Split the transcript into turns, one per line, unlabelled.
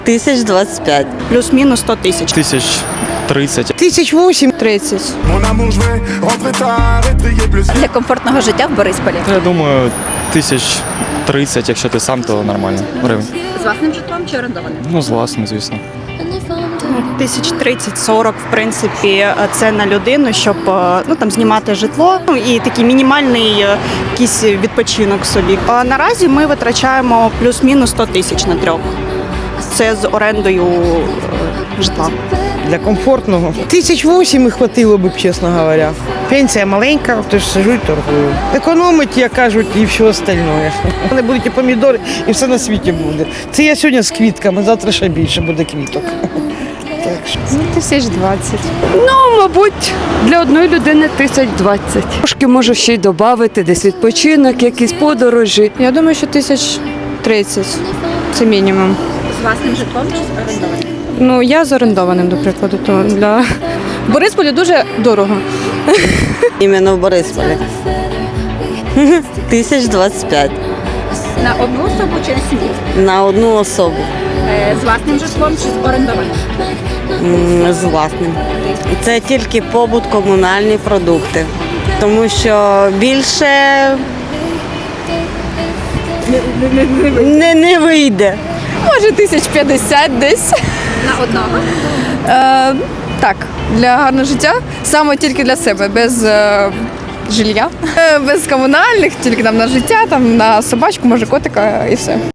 1025.
Плюс-мінус 100 тисяч.
1030.
1008-30.
Для комфортного життя в Борисполі.
Я думаю, 1030, якщо ти сам, то нормально. Гривень.
З власним житлом чи орендованим?
Ну, з власним, звісно.
1030-40, в принципі, це на людину, щоб там знімати житло, і такий мінімальний якийсь відпочинок собі. А наразі ми витрачаємо плюс-мінус 100 тисяч на трьох. Це з орендою житла.
Для комфортного. 1008 і хватило б, чесно говоря. Пенсія маленька, тож сижу і торгую. Економить, як кажуть, і все остальне. Вони будуть і помідори, і все на світі буде. Це я сьогодні з квітками, завтра ще більше буде квіток. Так що.
1020. Ну, мабуть, для одної людини 1020. Трошки можу ще й додати, десь відпочинок, якісь подорожі. Я думаю, що 1030. Це мінімум.
З власним житлом чи з орендованим?
Ну, я з орендованим, до прикладу, то для в Борисполі дуже дорого.
Іменно в Борисполі. 1025.
На одну особу чи на сім'ю?
На одну особу.
З власним житлом чи з орендованим?
З власним. Це тільки побут, комунальні продукти. Тому що більше не вийде.
Може, 1050 десь.
На одного?
Так, для гарного життя. Саме тільки для себе, без жилья, без комунальних, тільки там на життя, там на собачку, може котика і все.